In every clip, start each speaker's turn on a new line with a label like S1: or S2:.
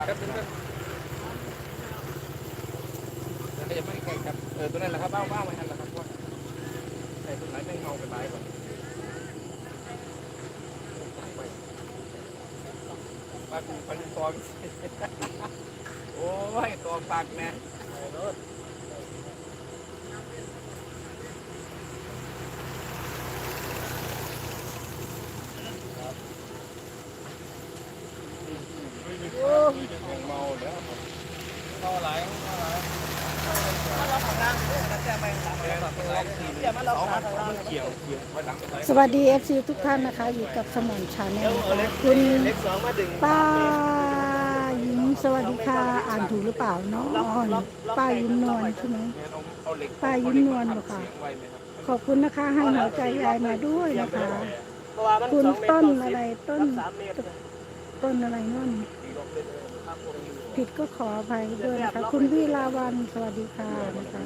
S1: ครับก็จะไม่ไกลครับตัวนั้นแหละครับเบ้าไว้ทันแล้วครับว่าใส่ตัวไหนไม่เงาไปใบก่อนปลาปูปลาตองโอ้ยตัวปากแม่เมาแล้วเมาหลาย
S2: สวัสดีFC ทุกท่านนะคะอยู่กับสมอนชาแนลนะคะคุณป้ายิ้มสวัสดีค่ะอ่านถูกหรือเปล่าเนาะป้ายิ้มนวลใช่ไหมป้ายิ้มนวลเหรอคะขอบคุณนะคะให้หัวใจยายมาด้วยนะคะคุณต้นอะไรต้นอะไรนั่นผิดก็ขออภัยด้วยนะคะคุณวิลาวันสวัสดีค่ะนะคะ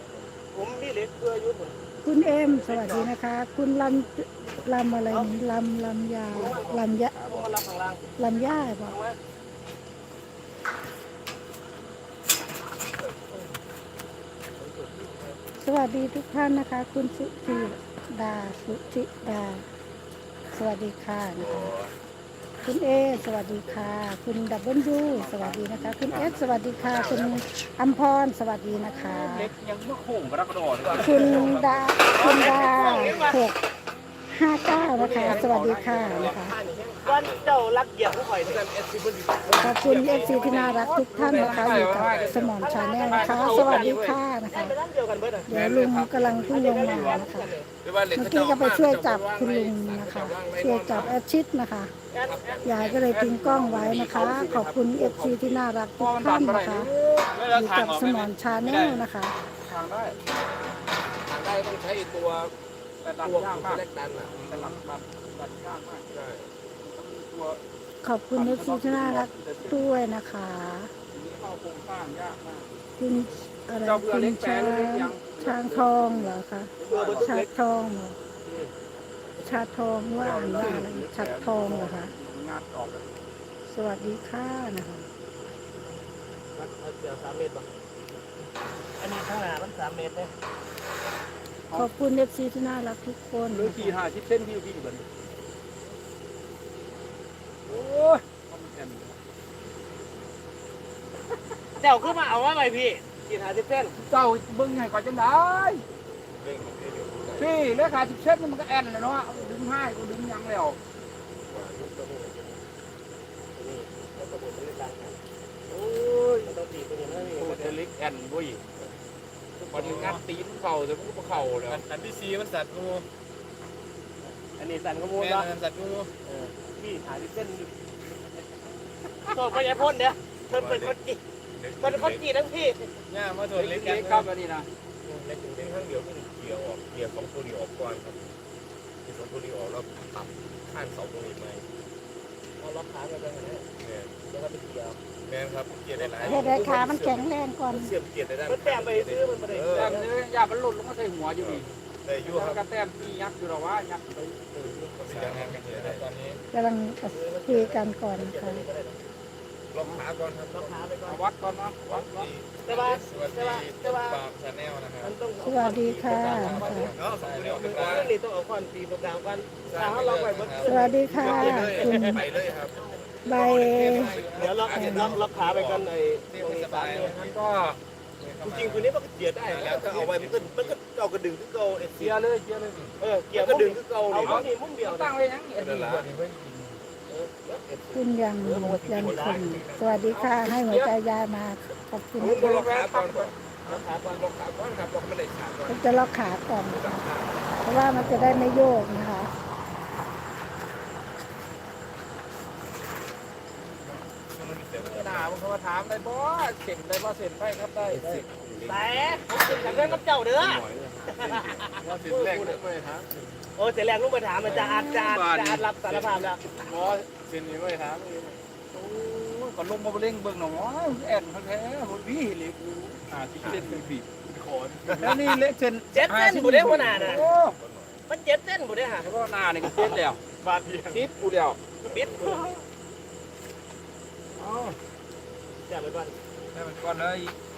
S2: คุณเอ็มสวัสดีนะคะคุณลำอะไรนี่ลำยาลำย่าบอกสวัสดีทุกท่านนะคะคุณสุธิดาสวัสดีค่ะนะคะคุณเอสวัสดีค่ะคุณดับเบิลยูสวัสดีนะคะคุณเอสสวัสดีค่ะคุณอัมพรสวัสดีนะคะคุณดา659นะคะสวัสดีค่ะนะคะ
S3: วันเจ้ารักเหยียบผู้ข่อยนี่
S2: ขอบคุณเอฟซีที่น่ารักทุกท่านนะคะอยู่กับสมอนชาแนลนะคะสวัสดีค่ะนะคะเดี๋ยวลุงกำลังขึ้นลงมานะคะเมื่อกี้ก็ไปช่วยจับคุณลุงนะคะช่วยจับแอดชิดนะคะยายก็เลยทิ้งกล้องไว้นะคะ ขอบคุณเอฟซีที่น่ารักทุกท่านนะคะอยู่กับสมอนชาแนลนะคะ
S1: ทางได้ต้องใช้ตัวเล็กดันอ่ะแต่หลังดันยากมากใช่ตัว
S2: ขอบคุณเอฟซีที่น่ารักด้วยนะคะคุณอะไรคุณช้างทองเหรอคะชาทองเหรอชาทองว่าอ่านว่าอะไรชัดทองเหรอคะสวัสดีค่ะนะคะ
S3: อันนี้ข้างหน้ามัน3 เมตรเลย
S2: ขอบคุณเอฟซีที่น่ารักทุกคน
S1: หรือขี่50 เส้นพี่เหมือนโอ้ย
S3: เจ้าขึ้นมาเอาว่าไงพี่กิน50 เส้น
S1: เจ้าเบิ้งไงก่อนจังได้พี่เลขา10 เส้นมันก็แอนเลยเนาะดึงให้ก็ดึงยังแล้วโอ้ยมันต้องตีตัวนี้นะโอ้เทลิกแอนด้วยพอถึงงัดตีนเข่าแต่มันก็เข่าเลยอันที่4มันสัตว์งู
S3: อันนี้สั่นขโมยเนาะ
S1: สัตว์งู
S3: พี่50 เส้นโทษพญาพ่นเดี๋ยวเพิ่นเป็นคนจีทั้งพี่
S1: เนี่ยมาถอดเล็กๆครับอันนี้นะเล็กถึงข้างเดียวก็เกี่ยวออกเกี่ยว2 ตัวนี้ออกก่อนครับที่2 ตัวนี้ออกแล้วตัดข้าง2 ตัวนี้ไป
S3: เอาล็อกขาไปแบบนี้แล้วก็ไปเกี่ยว
S1: แม่ครับเกียร์ได้หลาย
S2: ให้ได้ขามันแข็งแรงก่อน
S1: เสียบเกียร์ได้
S3: มันแต้มไปซื้อมันไม่ได้
S1: แต้มเนื้อยามันหลุดลงมาใส่หัวอยู่นี่แต่ยู่ครับก็แต้มที่ยักษ์อยู่หรอวะยักษ์ไปตอนนี้
S2: กำลังคุยกันก่อนค่ะ
S1: ล็อกขาก่อนครับล็อกขาไปก่อนวัดก่อนนะวัด
S3: แต่ว่า
S1: ชาแนลนะครับ
S2: สวัสดีค่ะ
S3: ต้องเอาควันตีตรงกลางกัน
S2: สวัสดีค่ะคุณ
S1: ไปเลยครับ
S2: ใบ
S3: เดี๋ยวล็อกขาไปกันไอ้ตรงนี้ตามนี้
S1: มันก็
S3: จริงๆคนนี้มันก็เกียร์ได้แล้วถ้าเอาไว้มันก็เอากระดึงขึ้นเกา
S1: เกียร์เลยเ
S3: กียร์กระดึงขึ้นเกาเอาที่มุ่งเดียว
S1: ตั้งเลยยัง
S2: คุณยังคนสวัสดีค่ะให้หัวใจยายมาขอบคุณ
S1: ล็อกขาก่อนล็อกขาก่อนครับล็อกไม่ได้ขาก่อน
S2: ผมจะล็อกขาก่อนเพราะว่ามันจะได้ไม่โยกนะคะ
S1: หนาผมมาถามได้บ่เส็นได้บ่เส็นไปครับได้
S3: แต่ผมกินกับเรื่องกับเจ้าเด้อ
S1: ว่าเส็นแรกเลยฮะ
S3: โอ้เส็นแรกลูกมาถามมันจะอารับสารภาพแล้ว
S1: บ่เส็นนี่ไม่ถามโอ้ก็ลงมาเล่งเบิ่งหน่อยแอนแท้ๆพี่เล็กที่เล่นเป็นบีบขอนแล้วนี่เล็กเส้น
S3: 7 เส้นบ่ได้หัวหน้าน่ะมัน7 เส้นบ่ได้หา
S1: เพราะหน้านี่ก็เส้นแล้ว
S3: บาดเดียว
S1: ปิดกูเดียว
S3: ปิดแซ่บไปก่อน
S1: ได้มันก่อนเลย